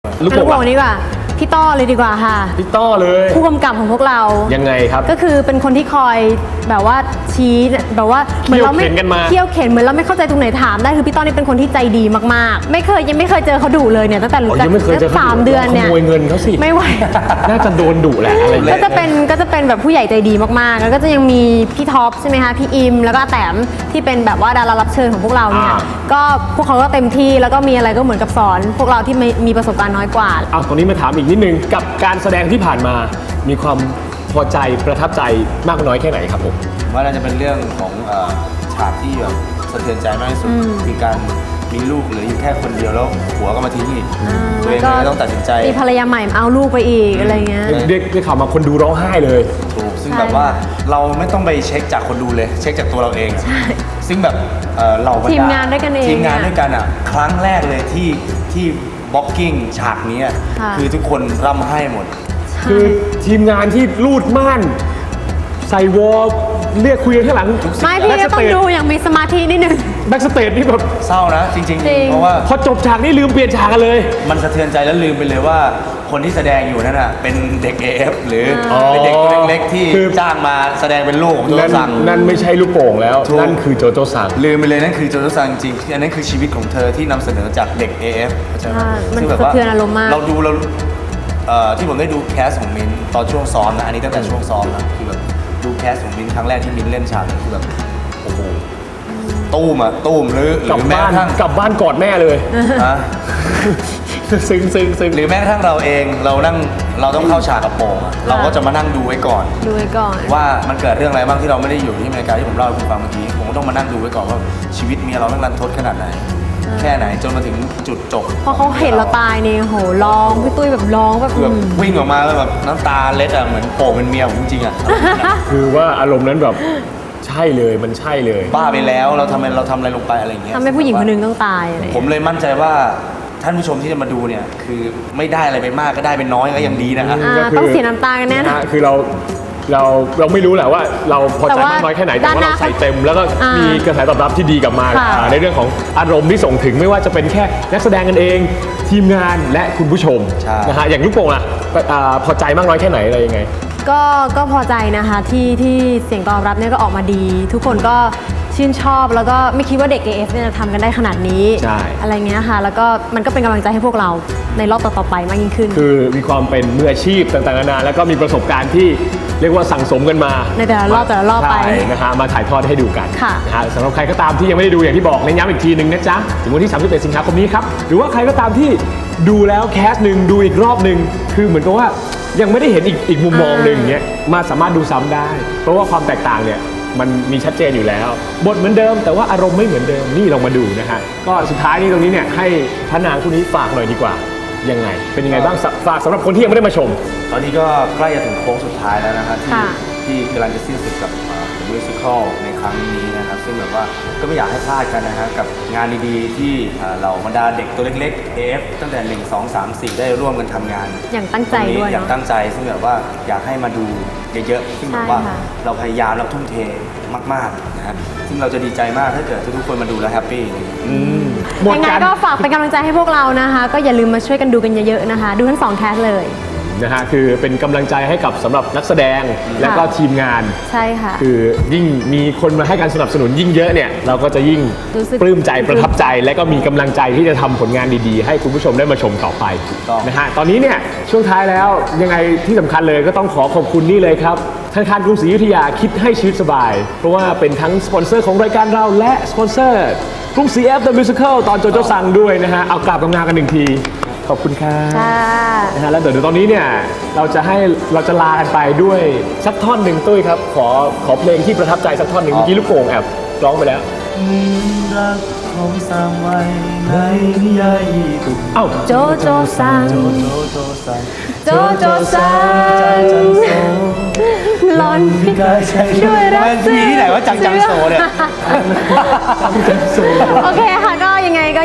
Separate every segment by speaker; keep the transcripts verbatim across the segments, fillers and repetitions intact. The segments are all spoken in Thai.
Speaker 1: ลูกโป่งดีกว่าพี่ต้อเลยดีกว่าค่ะ
Speaker 2: พี่ต้อเลย
Speaker 1: ผู้กำกับของพวกเรา
Speaker 2: ยังไงครับ
Speaker 1: ก็คือเป็นคนที่คอยแบบว่าชี้แบบว่าเหมือนเราไม่เที่ยวเข็นเหมือนเราไม่เข้าใจตรงไหนถามได้คือพี่ต้อนี่เป็นคนที่ใจดีมากๆไม่เคยยังไม่เคยเจอเขาดุเลยเนี่ยตั้งแต่รู้จักสามเดือนเนี่ย
Speaker 2: ขโมยเงินเขาสิ
Speaker 1: ไม่ไหว
Speaker 2: น่าจะโดนดุแหละอะไร
Speaker 1: ก็จะเป็นก็จะเป็นแบบผู้ใหญ่ใจดีมากๆแล้วก็จะยังมีพี่ท็อปใช่ไหมคะพี่อิมแล้วก็แต้มที่เป็นแบบว่าดารารับเชิญของพวกเราเนี่ยก็พวกเขาก็เต็มที่แล้วก็มีอะไรก็เหมือนกับสอนพวกเราที่มีประสบการณ์น้อยกว่า
Speaker 2: เอาตรงนี้มาถามอีกนิดนึงกับการแสดงที่ผ่านมามีความพอใจประทับใจมากน้อยแค่ไหนครับผม
Speaker 3: ว่าน่าจะเป็นเรื่องของฉากที่แบบสะเทือนใจมากที่สุดคือการมีลูกเหลืออยู่แค่คนเดียวแล้วผัวก็มาทิ้งอีกตัวเองก็ต้องตัดสินใจ
Speaker 1: มีภรรยาใหม่เอาลูกไปอีกอะไรเงี้ย
Speaker 2: เด็กได้ข่าวมาคนดูร้องไห้เลย
Speaker 3: ถูกซึ่งแบบว่าเราไม่ต้องไปเช็คจากคนดูเลยเช็คจากตัวเราเองซึ่งแบบเรา
Speaker 1: ทีมงานด้วยกันเอง
Speaker 3: ทีมงานด้วยกันอ่ะครั้งแรกเลยที่ที่บล็อกกิ้งฉากนี้คือทุกคนร่ำไห้หมด
Speaker 2: คือทีมงานที่ลูดม่านใส่วอลเรียกคุยกันข้างหลัง
Speaker 1: ไม่พี่ก็ต้องดูอย่างมีสมาธินิดนึง
Speaker 2: แบ็กสเตจนี่แบบ
Speaker 3: เศร้านะจริงๆเพราะว่า
Speaker 2: พอจบฉากนี่ลืมเปลี่ยนฉากกันเลย
Speaker 3: มันสะเทือนใจแล้วลืมไปเลยว่าคนที่แสดงอยู่นั่นน่ะเป็นเด็ก เอ เอฟ หรือเป็นเด็กตัวเล็กๆที่จ้างมาแสดงเป็นลูกของโจโจซัง
Speaker 2: นั่นไม่ใช่ลูกโป่งแล้วนั่นคือโจโจซัง
Speaker 3: ลืมไปเลยนั่นคือโจโจซังจริงอันนั้นคือชีวิตของเธอที่นำเสนอจากเด็ก เอ เอฟ
Speaker 1: มันสะเทือนอารมณ์มาก
Speaker 3: เราดูเราที่ผมได้ดูแคสของมินตอนช่วงซ้อมนะอันนี้ตั้งแต่ช่วงซ้อมนะคือแบบดูแคสของมินครั้งแรกที่มินเล่นฉากคือแบบโอ้โหตู้มอะตู้มหรือหรือแม้กระทั่ง
Speaker 2: กลับบ้านกอดแม่เลยฮะซึ้งซึ้งซึ้ง
Speaker 3: หรือแม้กระทั่งเราเองเรานั่งเราต้องเข้าฉากกับโป่งเราก็จะมานั่งดูไว้ก่อน
Speaker 1: ดูไว้ก่อน
Speaker 3: ว่ามันเกิดเรื่องอะไรบ้างที่เราไม่ได้อยู่ที่อเมริกาที่ผมเล่าให้คุณฟังเมื่อกี้ผมก็ต้องมานั่งดูไว้ก่อนว่าชีวิตเมียเราต้องรันทดขนาดไหนแค่ไหนจนมาถึงจุดจบ
Speaker 1: พอเขาเห็นเราตายนี่โหร้องพี่ตุ้ยแบบร้องแบบ
Speaker 3: วิ่งออกมาแล้วแบบน้ำตาเล็ดอ่ะเหมือนโป่งเป็นเมียผมจริงๆอ่ะ
Speaker 2: คือว่าอารมณ์นั้นแบบใช่เลยมันใช่เลย
Speaker 3: บ้าไปแล้วเราทำอะไรเราทำอะไรลงไปอะไรอย่างเงี้ย
Speaker 1: ทำให้ผู้หญิงคนนึงต้องตายอะไร
Speaker 3: ผมเลยมั่นใจว่าท่านผู้ชมที่จะมาดูเนี่ยคือไม่ได้อะไรไปมากก็ได้เป็นน้อยก็ยังดีนะฮะ
Speaker 1: ต้องเสียน้ำตากันแน่นะ
Speaker 2: คือเราเราเราไม่รู้แหละว่าเราพอใจมากน้อยแค่ไหนแต่ว่าเราใส่เต็มแล้วก็มีกระแสตอบรับที่ดีกลับมาในเรื่องของอารมณ์ที่ส่งถึงไม่ว่าจะเป็นแค่นักแสดงกันเองทีมงานและคุณผู้ชมนะฮะอย่างลูกโป่งอ่ะพอใจมากน้อยแค่ไหนอะไรยังไง
Speaker 1: ก็ก็พอใจนะคะที่ที่เสียงตอบรับเนี่ยก็ออกมาดีทุกคนก็ชื่นชอบแล้วก็ไม่คิดว่าเด็ก เอ เอฟ เนี่ยจะทำกันได้ขนาดนี้อะไรเงี้ยค่ะแล้วก็มันก็เป็นกำลังใจให้พวกเราในรอบต่อๆไปมากยิ่งขึ้น
Speaker 2: คือมีความเป็นมืออาชีพต่างๆนานาแล้วก็มีประสบการณ์ที่เรียกว่าสั่งสมกันมา
Speaker 1: ในแต่ละรอบแต่ละรอบไป
Speaker 2: นะฮะมาถ่ายทอดให้ดูกันนะฮะสำหรับใครก็ตามที่ยังไม่ได้ดูอย่างที่บอกเน้นย้ำอีกทีหนึ่งนะจ๊ะถึงวันที่สามสิบเอ็ดสิงหาคมนี้ครับหรือว่าใครก็ตามที่ดูแล้วแคสหนึ่งดูอีกรอบหนึ่งคือเหมือนกับว่ายังไม่ได้เห็นอีกอีกมุมมองหนึ่งเงี้ยมาสามารถดูซ้ำได้เพราะว่าความแตกต่างเนี่ยมันมีชัดเจนอยู่แล้วบทเหมือนเดิมแต่ว่าอารมณ์ไม่เหมือนเดิมนี่ลองมาดูนะฮะก็สุดท้ายนี้ตรงนี้เนี่ยให้พระนางคู่นี้ฝากหน่อยดีกว่ายังไงเป็นยังไงบ้างฝากสำหรับคนที่ยังไม่ได้มาชม
Speaker 3: ตอนนี้ก็ใกล้จะถึงโค้งสุดท้ายแล้วนะครับที่ที่กำลังจะสิ้นสุดกับมิวสิควลในครั้งนี้นะครับซึ่งแบบว่าก็ไม่อยากให้พลาดกันนะฮะกับงานดีๆที่เราบรรดาเด็กตัวเล็กๆ เอ เอฟ ตั้งแต่หนึ่ง สอง สาม สี่ได้ร่วมกันทำงาน
Speaker 1: อย่างตั้งใจด้วย
Speaker 3: อย่างตั้งใจซึ่งแบบว่าอยากให้มาดูเยอะๆซึ่งแบบว่าเราพยายามเราทุ่มเทมากๆนะฮะซึ่งเราจะดีใจมากถ้าเกิดทุกคนมาดูแล้วแฮปปี้
Speaker 1: ยังไงก็ฝากเป็นกำลังใจให้พวกเรานะคะก็อย่าลืมมาช่วยกันดูกันเยอะๆนะคะดูทั้งสองแคสเลย
Speaker 2: นะฮะคือเป็นกำลังใจให้กับสำหรับนักแสดงและก็ทีมงาน
Speaker 1: ใช่ค่ะ
Speaker 2: คือยิ่งมีคนมาให้การสนับสนุนยิ่งเยอะเนี่ยเราก็จะยิ่งปลื้มใจประทับใจและก็มีกำลังใจที่จะทำผลงานดีๆให้คุณผู้ชมได้มาชมต่อไปนะฮะตอนนี้เนี่ยช่วงท้ายแล้วยังไงที่สำคัญเลยก็ต้องขอขอบคุณนี่เลยครับธนาคารกรุงศรีอยุธยาคิดให้ชีวิตสบายเพราะว่าเป็นทั้งสปอนเซอร์ของรายการเราและสปอนเซอร์กรุงศรี F The Musical ตอนโจโจซังด้วยนะฮะเอากราบกำงานกันหนึ่งทีขอบคุณครับนะฮะแล้วเดี๋ยวตอนนี้เนี่ยเราจะให้เราจะลากันไปด้วยสักท่อนหนึ่งตุ้ยครับขอขอเพลงที่ประทับใจสักท่อนหนึ่งเมื่อกี้ลูกโป่งแอบร้องไปแล้ว
Speaker 3: รักของสร้างไว้ในนิยายญี่ปุ่น
Speaker 1: เอ้าโจโจซังโจโจซังโจโจซังหลอนพิกาใช้ด้วยรัก
Speaker 3: มีที่ไหนว่าจังจังโซเนี่ย
Speaker 1: โอเคค่ะก็ยังไงก็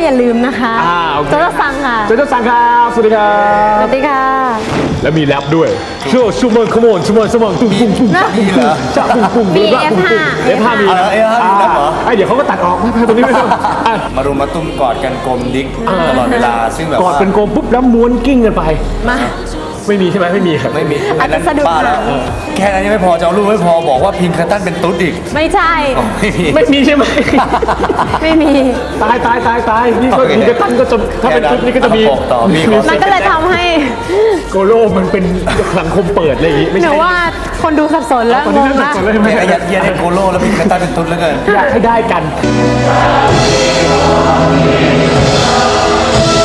Speaker 1: อย่าลืมนะคะ
Speaker 2: อ่าโอเค
Speaker 1: โจโจซังค่ะ
Speaker 2: โจโจซังครับสวัสดีครั
Speaker 1: ส
Speaker 2: บ
Speaker 1: วัสดีค่ะ
Speaker 2: แล้วมีแรปด้วยโชว์ชูเมอร์ขโมนชูเมอร์สมองตุ้งตุ้งตุ้ง
Speaker 1: นะ
Speaker 3: นี่เหรอ
Speaker 2: จ้าปุ้งปุ้ง
Speaker 1: มี
Speaker 2: ปุ้ง
Speaker 1: เอฟห้า
Speaker 2: เอฟห้ามี
Speaker 3: เอาเหรอ เอฟห้ามีแรปเหรอ
Speaker 2: ไอยเดี๋ยวเขาก็ตัดออกไม่เป็นไรตรงนี้ไม่ต้องอ่ะ
Speaker 3: มารุมมาตุ้มกอดกันกลมดิ๊กตลอดเวลาซึ่งแบบ
Speaker 2: กอด
Speaker 3: ว่า
Speaker 2: เป็นโกมปุ๊บแล้วม้วนกิ้งกันไป
Speaker 1: มา
Speaker 2: ไม่มีใช่ไหมไม่มีครับ
Speaker 3: ไม่มี
Speaker 1: อาจจะสะดุด
Speaker 3: บ้าแล้ว
Speaker 1: หาง
Speaker 3: แค่นั้นยังไม่พอจะเอารูปไม่พอบอกว่าพิงคัตตันเป็นตุ๊ดอีก
Speaker 1: ไม่ใช่
Speaker 3: ไม่มี
Speaker 2: ไม่มีใช่ไหม
Speaker 1: ไม่มี
Speaker 2: ตายตายตายตายนี่ก็
Speaker 3: โอเค
Speaker 2: มีกระตั้นก็จะถ้าเป็นชุดนี้ก็จะมี
Speaker 3: เอาต่อมีขอ
Speaker 1: มันก็เลยทำให้
Speaker 2: โกโลมันเป็นสังคมเปิดอะไรอย่างงี้ไม่
Speaker 1: หนู
Speaker 2: ใช่
Speaker 1: ว่าคนดูสับสนแล้ว
Speaker 2: ตอน
Speaker 1: ง
Speaker 2: นี้
Speaker 1: ง
Speaker 2: เริ่มสับ
Speaker 1: ละ
Speaker 2: สนแล้วใช่ไหม
Speaker 3: เนี่ยยัดเยียดให้โกโลแล้วพิงคัตตันเป็นตุ๊ดแล้วเกิน
Speaker 2: อยากให้ได้กัน